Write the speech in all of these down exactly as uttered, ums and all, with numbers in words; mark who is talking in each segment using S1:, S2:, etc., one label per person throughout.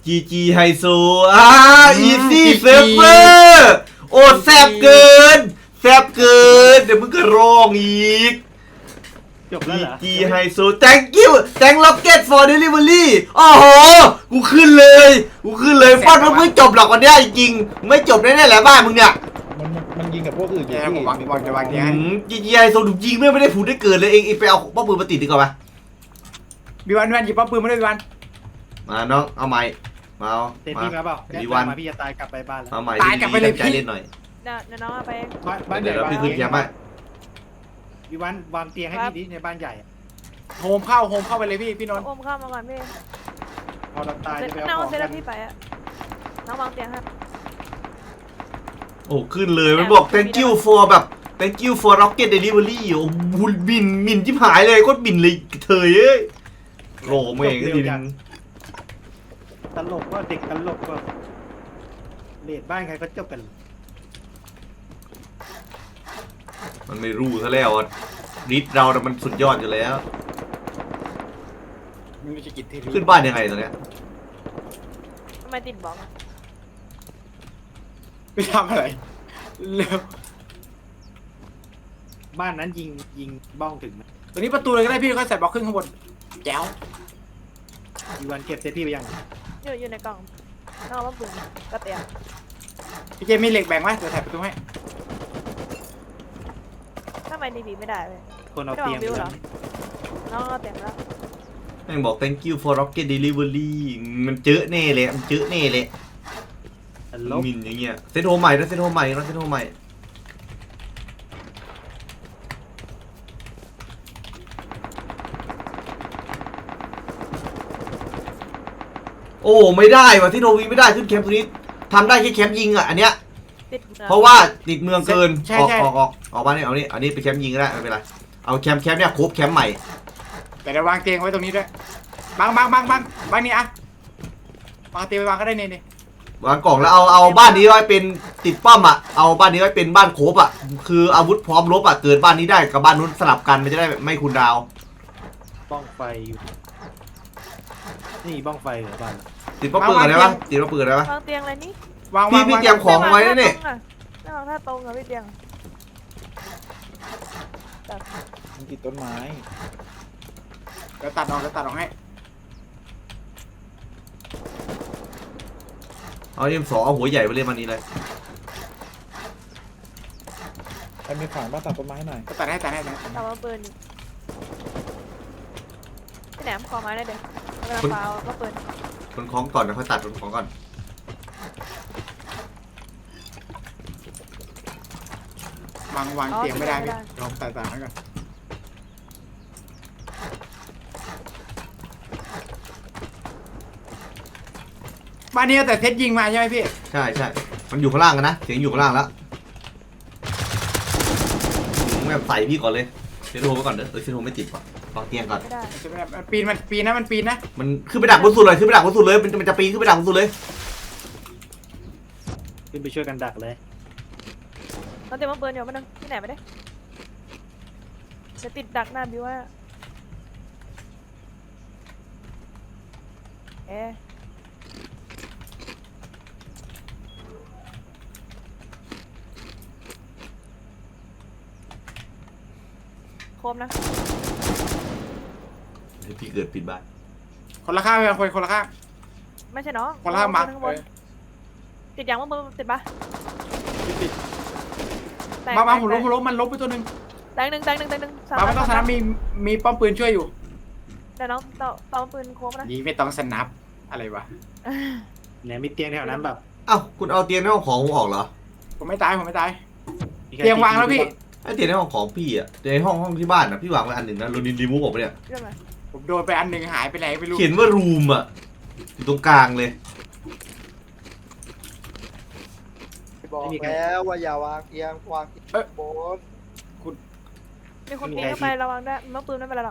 S1: จีจีไฮโซอ่าอีซี่เซิร์ฟเวอร์โอ้แซบเกินแซบเกินเดี๋ยวมึงก็ร้องอีก
S2: จบแล้วเหรอ
S1: จีไฮโซ thank you thank rocket for delivery โอ้โหกูขึ้นเลยกูขึ้นเลยฟอดมันไม่จบหรอกวันนี้จริงๆไม่จบแน่ๆแหละบ้านมึงเนี่ย
S3: มันมันยิงกับพวกอื่นอยู่ที่
S4: วางวางจะวางเนี่ย
S1: จีจีไฮโซถูกยิงไม่ได้ผูดได้เกิดเลยเองเองไปเอาป้อมปืนมาติดดีกว่าปะ
S4: บีวันวันหยิบป้อมปืนมาด้วยบีวัน
S1: มาน้องเอาไม้มาเอา
S2: เต็มที่มาเปล่า
S1: บีวัน
S2: มาพี่จะตายกลับไปบ้านแล้ว
S1: เอาไม้ใจเล่นหน่อย
S5: เดี๋ยวเดี๋ยวน้องเอาไปเอง
S2: บ้าน
S1: เดี๋
S2: ให
S1: ยว
S2: ญ่
S1: เราพี่ขึ้นแคมป์ไป
S2: พี่วันวางเตียงให้พี่ดิในบ้านใหญ่
S4: โฮมเข้าโฮมเข้าไปเลยพี่พี่นนท์
S5: โอมเข้ามาก่อนพี่
S2: พอเราตาย
S5: เซ็ต
S2: จะไป
S5: น้อ
S2: เอา
S5: ง
S2: ของ
S5: เซ็ต
S2: กั
S5: แล้ว
S2: น
S5: พี่ไปอะน้องวางเตียงให้
S1: โอ้ขึ้นเลยมันบอก thank you for แบบ thank you for rocket delivery โอ้บุญบินบินที่หายเลยโคตรบินเลยเธอเอ้ยโหเมงก็ดีนึง
S2: ตลกว่าเด็กตลกว่าเลดบ้านใครก็จบกัน
S1: มันไม่รู้ซะแล้วริดเราแต่มันสุดยอดอยู่แล้ว
S4: มีวิธีกิจที่
S1: ขึ้นบ้านยังไงตอนเนี้ย
S5: ทำไมติดบล็อกอะ
S4: ไม่ทำอะไรเร็ว
S2: บ้านนั้นยิงยิงบ้องถึงไหม
S4: ตัวนี้ประตูเลยก็ได้พี่ค่อยใส่บล็อกขึ้นข้างบนแจ๋ว
S2: พี่วันเก็บเซตพี่ไปยัง
S5: อยู่อยู่ในกล่องน้องเอามาปืนกระเตียง
S4: พี่เจมีเหล็กแบ่งไหมเดี๋ยวใส่ประตูให้
S5: ทำไมดีบีไม่ได้เลย
S2: คนเอาเตียงไปแล้ว
S5: น้องเอาเตียงแล้ว
S1: แม่งบอก thank you for rocket delivery มันเจอแน่เลยมันเจอแน่เลย
S2: ตลก
S1: มินอย่างเงี้ยเซตโฮมใหม่นะเซตโฮมใหม่นะเซตโฮมใหม่โอ้ไม่ได้ว่ะที่โนวีไม่ได้ขึ้นแคมป์ตรงนี้ทำได้แค่แคมป์ยิงอ่ะอันเนี้ย
S5: ติดมือ
S1: เพราะว่าติดเมืองเกิน
S4: ใช่
S1: ออก
S4: ใช่
S1: ออกออกออกมาเนี่ยเอานี่อันนี้ไปแคมป์ยิงก็ได้ไม่เป็นไรเอาแคมป์แคมป์เนี่ยครบแคมป์ใหม่
S4: แต่เดี๋ยววางเตียงไว้ตรงนี้ด้วยบางบางบางบางบางนี่อะวางเตียงไปวางก็ได้เนี่ยเนี่ยว
S1: างกล่องแล้วเอาเอาบ้านนี้ไว้เป็นติดป้อมอ่ะเอาบ้านนี้ไว้เป็นบ้านโคบอ่ะคืออาวุธพร้อมรบอ่ะเกิดบ้านนี้ได้กับบ้านนู้นสลับกันมันจะได้ไม่คูลดาวน์
S2: บ้องไฟอยู่นี่บ้องไฟเหรอบ้าน
S1: ติดป้อมปืนอะไรปะติดป้อมปืนอะไรปะ
S5: วางเตียงอะไรนี่
S4: วาง
S1: พี่
S4: วาง
S1: พี่
S4: วาง
S1: เตรียมของไว้นะเนี่ย
S5: ไม่วางท่าตรงอะพี่เตียง
S3: มันติดต้นไม้
S4: เดี๋ยวตัดออกเดี๋ยวตัดออกให้
S1: เอาเอ็มสองเอาหัวใหญ่ไปเล่นมันนี้เลย
S3: ใครมีขวานบ้านตัดต้นไม้หน่อย
S4: ตัดให้ตัดให้ตัดให้
S5: ตามมาปืนดิพี่แหนมขอไม้ได้เดี๋ยวเวลาเปล่าก็ปืน
S1: คนคล้องก่อนนะค่อยตัดคนคล้องก่อน
S4: วางวางเตียงไม่ได้พี่ลองตัดตัดให้ก่อนบ้านนี้แต่เซตยิงมาใช่ไหมพี่
S1: ใช่ใช่มันอยู่ข้างล่างกันนะเสียงอยู่ข้างล่างแล้วแม่ใส่พี่ก่อนเลยเซตโฮไปก่อนเด้อเออเซตโฮไม่ติดว่ะวางเตียงก่อน
S5: ไม่ได้
S4: มันปีนมันปีนนะมันปีนนะ
S1: มันขึ้นไปดักบนสุดเลยขึ้นไปดักบนสุดเลยมันมันจะปีนขึ้นไปดักบนสุดเลย
S2: ขึ้นไปช่วยกันดักเลย
S5: เราเตรียมมาปืนอยู่มาหนึ่งพี่แหนมไปได้จะติดดักหน้าบิวว่าเอ๊ะโคมนะ
S1: พี่เกิดปิดบ้าน
S4: คนละข้างไปคนคนละข้าง
S5: ไม่ใช่น้อง
S4: คนละข้างมา
S5: ข้างบนติดยังว่ามือติดปะ
S4: ติด
S5: แตก
S4: มามา
S5: แตก
S4: ผมล้มผมล้มมันล้มไปตัวหนึ่ง
S5: แตกหนึ่งแตกหนึ่งแตกหนึ่งสาม
S4: มาไม่ต้องสนับมีมีป้อมปืนช่วยอยู่
S5: เดี๋ยวน้องต่อต่อปืนโคมนะ
S4: นี่ไม่ต้องสนับอะไรวะ
S2: เนี่ยมีเตียงแถวนั้นแบบ
S1: เอ้าคุณเอาเตียงในห้องของผมออกเหรอ
S4: ผมไม่ตายผมไม่ตาย
S2: มีใคร
S4: เตียงวางแล้วพี่
S1: ไอเตียงในห้องของพี่อ่ะเตียงในห้องห้องที่บ้านอ่ะพี่วางไว้อันหนึ่งนะโรนินรีมูฟออกไปเนี่ย
S5: เรื่องอะไร
S4: ผมโดนไปอันหนึ่งหายไปไหนไม่รู้
S1: เขียนว่ารูมอ่ะอยู่ตรงกลางเลย
S3: บอกแล้วว่าอย่าวางเอียงวางเอียงบน
S5: มีคนปีนเข้าไประวังด้วยมือปืนไม่เป็นไรหรอก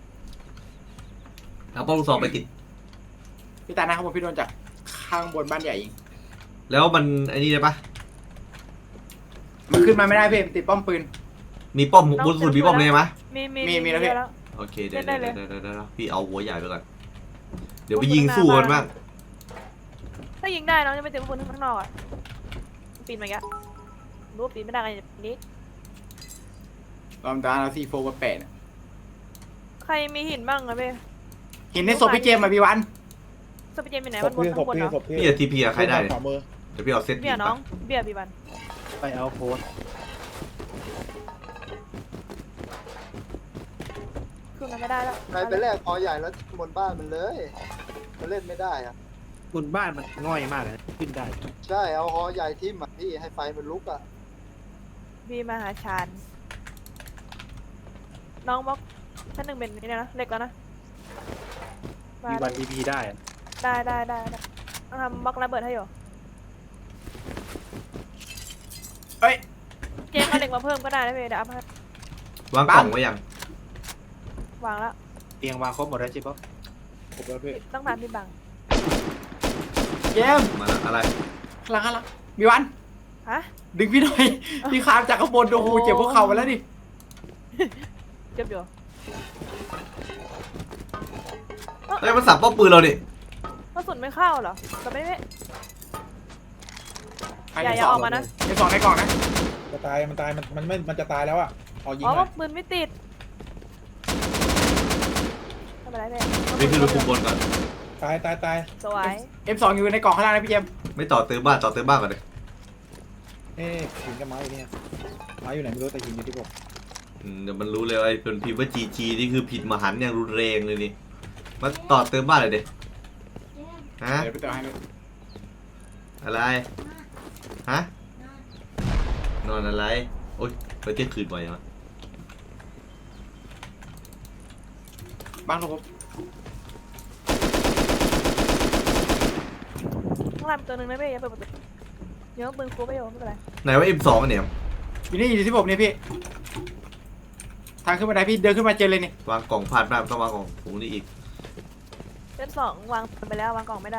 S1: เอาป้อมลูกซองไปติด
S4: พี่ตานะครับผมพี่โดนจากข้างบนบ้านใหญ่ยิง
S1: แล้วมันไอ้นี่ได้ปะ
S4: มันขึ้นมาไม่ได้พี่ติดป้อมปืน
S1: มีป้อมบนสุดมีป้อมเลยไหม
S5: มีมี
S4: มีมีแล้วพี่
S5: แล้ว
S1: โอเคเดี๋ยว
S5: ได้
S1: เดี๋ยว
S5: เลย
S1: เดี๋ยวเดี๋ยวเดี๋ยวพี่เอาหัวใหญ่ไปก่อนเดี๋ยวไปยิงสู้กันบ้าง
S5: ถ้ายิงได้น้องจะไม่เต็มปืนข้างนอกอ่ะปีนมาแกรู้ว่าปีนไม่ได้ไงนี้
S4: ลำดานเอาซีโฟมาแปะเนี่ย
S5: ใครมีหินบ้างอะเบ้
S4: เห็นในศพพี่เจมส์มาพี่วัน
S5: สปิเจนเป็นไหน
S6: ศ
S5: มัน
S6: พ
S5: บน
S6: พี่ศ
S5: ข้า
S6: พ
S5: งบน
S6: พี่
S5: เนาะ
S6: ศพพี่
S1: พี่จะทีพีอะใครได้เนี่ย
S6: ขวามือ
S1: เดี๋ยวพี่เอาเซต
S5: เบียร์น้องเบียร์ปีบัน
S2: ไปเอาโพสต์
S5: คือมันไม่ได้แล้ว
S3: ใครไปแลกคอใหญ่แล้วบนบ้านมันเลยมันเล่นไม่ได้อะ
S2: บนบ้านมันง่อยมากเลยขึ้นได้
S3: ใช่เอาคอใหญ่ทิ่มอ่ะพี่ให้ไฟมันลุกอ่ะ
S5: บีมาหาชานน้องบล็อกชั้นหนึ่งเป็นนี่นะเล็กแล้วนะ
S2: มีวันดีพีได้อะ
S5: ได้ได้ได้ได้ต้องทำบล็อกระเบิดให้อยู่
S4: เฮ้ย
S5: เจมเอาเหล็กมาเพิ่มก็ได้นะเบ้เดี๋ยวอัพให้
S1: วางกล่องไว้ยัง
S5: วางแล้ว
S2: เตียงวางครบหมดแล้วใช่ปะ
S6: ผมแล้วพี่
S5: ต้องทำพี่บัง
S4: เจมส์
S1: มาแล้วอะไร
S4: ข้างหลังข้างหลังพี่วัน
S5: ฮะ
S4: ดึงพี่หน่อยพี่คามจากข้างบนโอ้โหเจ็บพวกเข่าไปแล้วดิ
S5: เจ็บอยู่
S1: เฮ้ยมันสับป้อมปืนเราดิ
S5: กระสุนไม่เข้าเหรอแต่ไม่ไม่
S4: ใคร
S5: อย่า
S4: ใน
S5: อย่า
S4: สอ
S5: อง อกมานะ
S4: ในสองในกล่องนะ
S6: จะตายมันตายมันมันไม่มันจะตายแล้วอ่ะเอายิง
S5: อ๋อ
S6: หน่อย
S5: ปืนไม่ติดทำอะไรเบ้
S1: พี่ขึ้นไปคุมบนก่อน
S6: ตายตายตาย
S5: สวย
S4: เอ็มสองอยู่ในกล่องข้างล่างนะพี่เจมส์
S1: ไม่ต่อเติมบ้านต่อเติมบ้านก่อนเลย
S6: เอ๊ะหินกับไม้อยู่เนี่ยไม้อยู่ไหนไม่รู้แต่หินอยู่ที่ผม
S1: อืมเดี๋ยวมันรู้เลยว่าไอ้เป็นพิมพ์ว่าจีจีนี่คือผิดมหันต์อย่างรุนแรงเลยนี่มาต่อเติมบ้านเลยเด็ฮะ
S4: เดี๋ยวไปเติมให้
S1: อะไรฮะนอนอะไรโอ๊ยไปเที่ยงคืนบ่อยยังวะ
S4: บ้างครับผม
S5: ข้างล่างมีตัวหนึ่งนะเบ้อย่าเปิดประตูเดี๋ยวปืนคูไปอยู่ไม่เป็นไร
S1: ไหนว่า เอ็ม สอง เนี่ย
S4: อยู่นี่อยู่ที่ผมเนี่ยพี่ทางขึ้นบันไดพี่เดินขึ้นมาเจอเลยนี่
S1: วางกล่องพลาดมากต้องวางกล่องผมนี่อีก
S5: เซตสองวางไปแล้ววางกล่องไม่ได้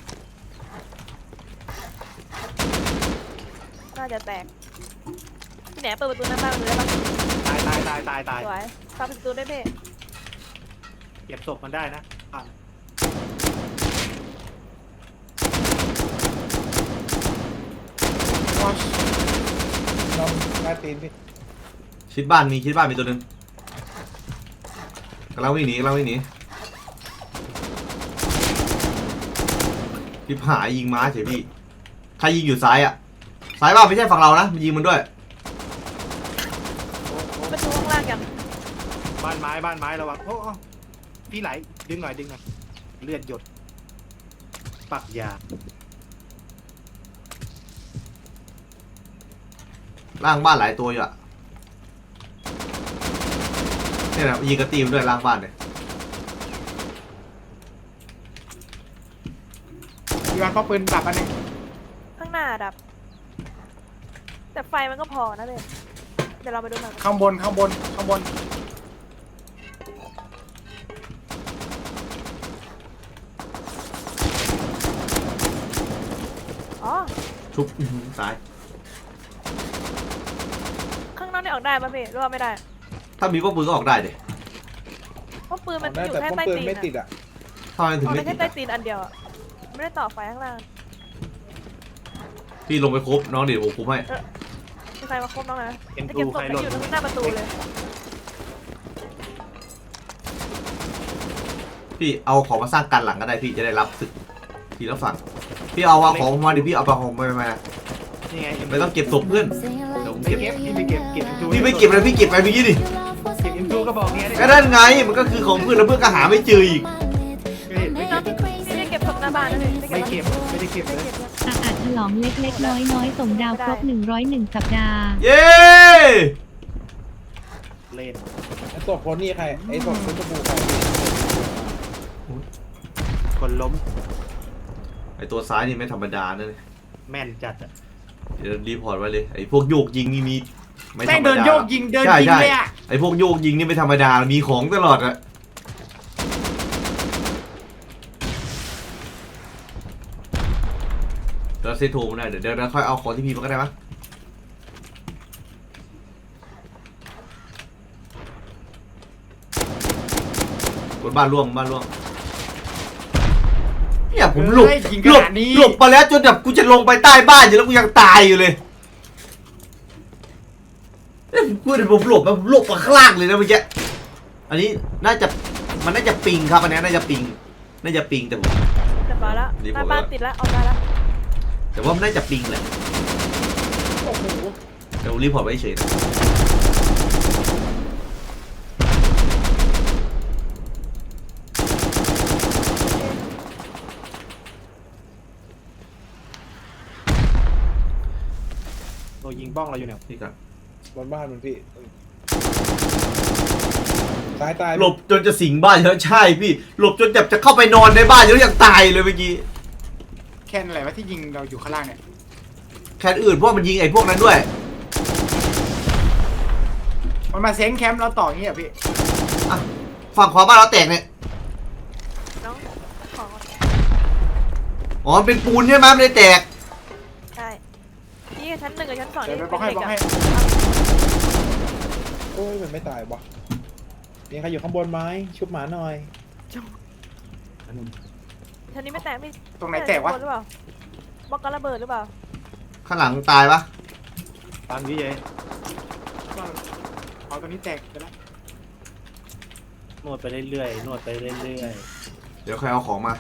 S5: น่าจะแตกพี่แหนเปิดประตูหน้าบ้านเลยได้ปะ
S2: ตายตายตายตายตาย
S5: สวยฝากประตูได้วยเบ้
S2: เก็บศพมันได้นะอ่ะ
S6: น้องใต้ตีนพี่
S1: ชิดบ้านมีชิดบ้านมีตัวหนึงกำลังวิ่งหนีกำลังวิ่งหนีพี่หายยิงม้าเฉยพี่ใครยิงอยู่ซ้ายอ่ะซ้ายบ้านไม่ใช่ฝั่งเรานะมันยิงมันด้วย
S5: ประตูข้างล่างยัง
S2: บ้านไม้บ้านไม้ระวังโอ้โอ้พี่ไหลดึงหน่อยดึงหน่อยเลือดหยดปักยา
S1: ล่างบ้านหลายตัวอยู่อ่ะเนี่ยนะยิงกระตีมด้วยล่างบ้านเนี่ย
S4: พี่วันพ่อปืนดับอันหนึง
S5: ข้างหน้าดับ แต่ไฟมันก็พอนะเบ้เดี๋ยวเราไปดูหน่อย
S4: ข้างบนข้างบนข้างบน
S5: อ๋อ
S1: ชุบอื้อหือซ้าย
S5: ข้างนอกนี่ออกได้ป่ะเบ้หรือว่าไม่ได้
S1: ถ้ามีป้อมปืนก็ออกได้ดิ
S5: เพราะปืนมัน
S6: ได้
S5: อยู่
S6: แต่
S5: แค่
S6: ป้อม
S5: ใต้
S6: ปืน
S5: ตีน
S6: ไม่
S5: อะ
S6: ติดอ่ะ
S1: ทำไมถึง
S5: ออก
S1: ไม่
S5: ได้
S1: ติ
S5: แค่
S1: ด
S5: ใต้
S1: อะ
S5: ตีนอันเดียวอะไม่ได้ต่อไฟข้างล่าง
S1: พี่ลงไปครบน้องเดี๋ยวผมคุมให้
S5: มีใครมาครบน้องนะ
S2: เอ็ม
S5: จะ
S2: ทู
S5: เก็บศพ
S2: ใคร
S5: ไป
S2: หล่น
S5: อยู่ตรงหน้าประตูเลย
S1: พี่เอาของมาสร้างกันหลังก็ได้พี่จะได้รับศึกทีละฝั่งพี่เอาเอาของมาดิพี่เอาไปของมามา
S2: นี่ไง
S1: ไม่ต้องเก็บศพเพื่อน
S3: เดี๋ยวผม
S2: เก็
S3: เก็
S2: บบ พี่ไปเก็บเก็บเอ็มทู
S1: พี่ไม่เก็บเลยพี่เก็บไปเมื่อกี้ดิ
S2: เก็บเอ็มทูก็บอกเนี้ย
S1: ก็นั่นไงมันก็คือของเพื่อนแล้วเพื่อนก็หาไม่เจออีก
S2: ไม่ไม่
S5: น้
S2: เก็
S5: อบ งพี่ได้เก็บศพหน้าบ้านนะพี่
S2: ไม่เก็บไม่ได้เก็บ
S5: ไม่
S2: เลย
S5: เก็บเลย
S7: อาอาจฉลองเล็กๆ น้อยๆ ส่งดาวครบ หนึ่งร้อยเอ็ด สัปดาห์
S1: เย้
S2: เล่น
S6: ไอ้ศพคนนี่ใครไอ้ศพคนตะบูใคร
S2: คนล้ม
S1: ไอตัวซ้ายนี่ไม่ธรรมดานะเนี่ย
S2: แม่นจัดอ่ะ
S1: เดี๋ยวรีพอร์ตไว้เลยไอพวกโยกยิงนี่มีไม่ธร
S4: แม่ง
S1: รม
S4: เดิน
S1: ดา
S4: โยกยิงเดิน
S1: ใช่
S4: ยิง
S1: ใช่
S4: เลยอ่ะ
S1: ไอพวกโยกยิงนี่ไม่ธรรมดามีของตลอดอะเราเซตโทรมาได้เดี๋ยวเดี๋ยวเราค่อยเอาของที่พีมาก็ได้มั้ยบนบ้านร่วงบ้านร่วง
S5: พ
S1: เนี่ยผมหลบ
S4: เฮ้ยยิงข
S1: หลบ
S4: นาดนี้
S1: หลบมาแล้วจนแบบกูจะลงไปใต้บ้านอยู่แล้วกูยังตายอยู่เลยเนี่ยผมพูดเลยผมหลบมาผมหลบมาข้างล่างเลยนะเมื่อกี้อันนี้น่าจะมันน่าจะปิงครับอันนี้น่าจะปิงน่าจะปิงแต่ผม
S5: เรียบร้อยแล้ว
S1: รีบ
S5: หน้า
S1: บอก
S5: บ้าน
S1: แล้ว
S5: ติดแล้วเอาได้แล้ว
S1: แต่ว่ามันน่าจะปิงแหละ
S4: โอ้โห
S1: แต่ผมรีพอร์ตไว้เฉยนะ
S2: ตัวยิงบ้องเราอยู่เนี่ย
S1: นี่ครับ
S6: บนบ้านมันพี่ตายตาย
S1: หลบจนจะสิงบ้านแล้วใช่พี่หลบจนแบบจะเข้าไปนอนในบ้านแล้วยังตายเลยเมื่อกี้
S4: แค่อะไรวะที่ยิงเราอยู่ข้างล่างเนี่ย
S1: แค่อื่นเพราะมันยิงไอ้พวกนั้นด้วย
S4: มันมาเซ้งแคมป์เราต่ออย่างเงี้ยพี่
S1: อ่ะฝั่งขวาบ้านเราแตกเนี่ย
S5: น้องของ
S1: อ๋อมันเป็นปูนใช่ไหมมันเลยแตก
S5: ใช่นี่ชั้นหนึ่งกับชั้นสอง
S4: เดี๋ยว
S5: นี่
S4: ไปบล็อกให้บล็อกให้
S6: โอ้ยมันไม่ตายวะมีใครอยู่ข้างบนไหมชุบหมาหน่อย
S5: ชั้นนี้ไม่แตกพี่
S4: ตรงไหนแตกวะ
S5: หรือเปล่าบล็อกกันระเบิดหรือเปล่า
S1: ข้างหลังตายปะ
S2: ตามพี่เจ
S4: เอาตัวนี้แตกไปแล้ว
S2: นวดไปเรื่อยๆนวดไปเรื่อย
S1: เดี๋ยวใครเอาของมา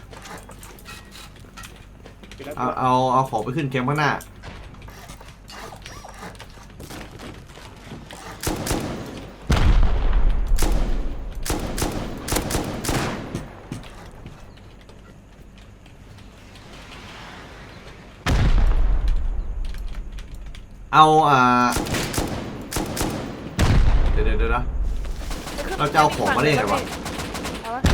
S4: ไปแล้ว
S1: เอาเอาเอาของไปขึ้นแคมป์ข้างหน้าเอาอ่าเดี๋ยวเดี๋ยวเดี๋ยวนะ เราจะเอาของมาได้ไงวะ
S5: เอาวะ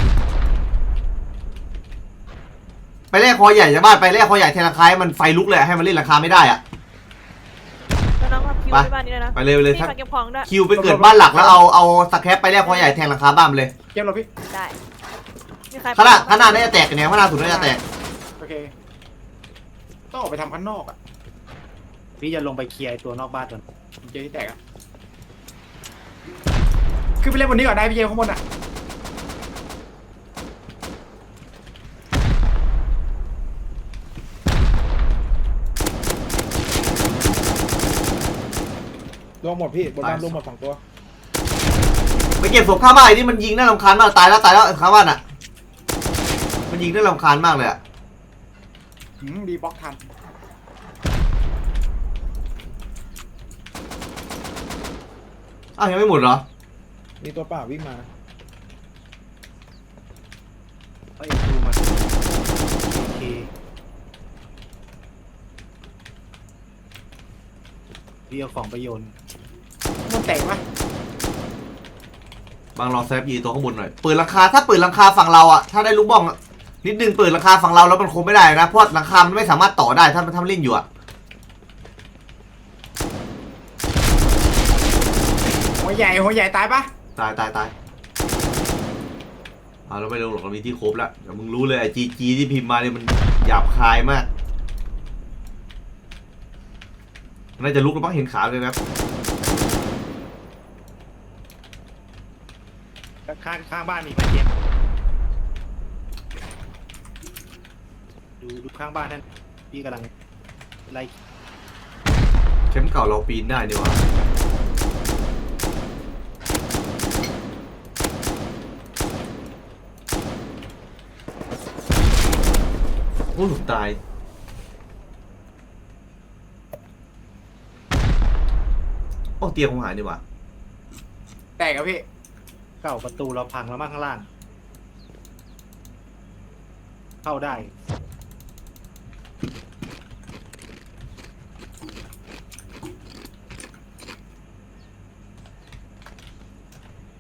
S1: ไปแลกคอใหญ่จากบ้านไปแลกคอใหญ่แทนราคาให้มันไฟลุกเลยให้มันเล่นราคาไม่ได้อะ
S5: แล้วน้องทำคิว
S1: ไป
S5: ที่บ้านนี้เลยนะ
S1: ไปเลยไปเลย
S5: พี่
S1: ถ้า
S5: ฝากเก็บของด้วย
S1: คิวไปเกิดบ้านหลักแล้วเอาเอาสแครปไปแลกคอใหญ่แทนราคาบ้านมันเลย
S4: เกมเราพี่
S5: ได้มีใคร
S1: ข้างหน้าข้างหน้าน่าจะแตกกันเนี่ยข้างหน้าสุดน่าจะแตก
S4: โอเคต้องออกไปทำข้างนอกอ่ะ
S2: ๆพี่จะลงไปเคลียร์ไอ้ตัวนอกบ้านก่อน
S4: เจที่แตกอ่ะขึ้นไปเล่นบนนี้ก่อนได้พี่เจข้างบนอ่ะ
S6: รวมหมดพี่บนบ้านรวมหมดสองตัว
S1: ไปเก็บศพข้างบ้านไอ้นี่มันยิงน่ารำคาญมากตายแล้วตายแล้วข้างบ้านอ่ะมันยิงน่ารำคาญมากเลยอ่ะ
S4: หืมดีบล็อกทัน
S1: อ้าวยังไม่หมดเหรอ
S6: มีตัวเปล่าวิ่งมา
S2: เอาเอ็นดูมาโอเคพี่เอาของไปโยน
S4: มันแตกปะ
S1: บางรอแซฟยีตัวข้างบนหน่อยเปิดราคาถ้าเปิดราคาฝั่งเราอ่ะถ้าได้ลูกบ้องอะนิดนึงเปิดราคาฝั่งเราแล้วมันคงไม่ได้นะเพราะราคามันไม่สามารถต่อได้ถ้ามันทำเล่นอยู่อ่ะ
S4: หัวใหญ่หัวใหญ่ตายปะ
S1: ตายตายตายเอาเราไม่ลงหรอกเรามีที่ครบแล้วเดี๋ยวมึงรู้เลยไอ้จีจีที่พิมพ์มาเนี่ยมันหยาบคายมากน่าจะลุกแล้วมั้งเห็นขาเลยนะครับ
S2: ข้างข้างบ้านมีไหมเจมส์ดูดูข้างบ้านนั่นพี่กำลังไล่
S1: เข็มเก่าเราปีนได้ดีกว่าโอ้ยผมตายโอ้เตียงผมหายดีกว่า
S4: แตกอะพี่
S2: เก่าประตูเราพังแล้วมั้งข้างล่าง เข้าได้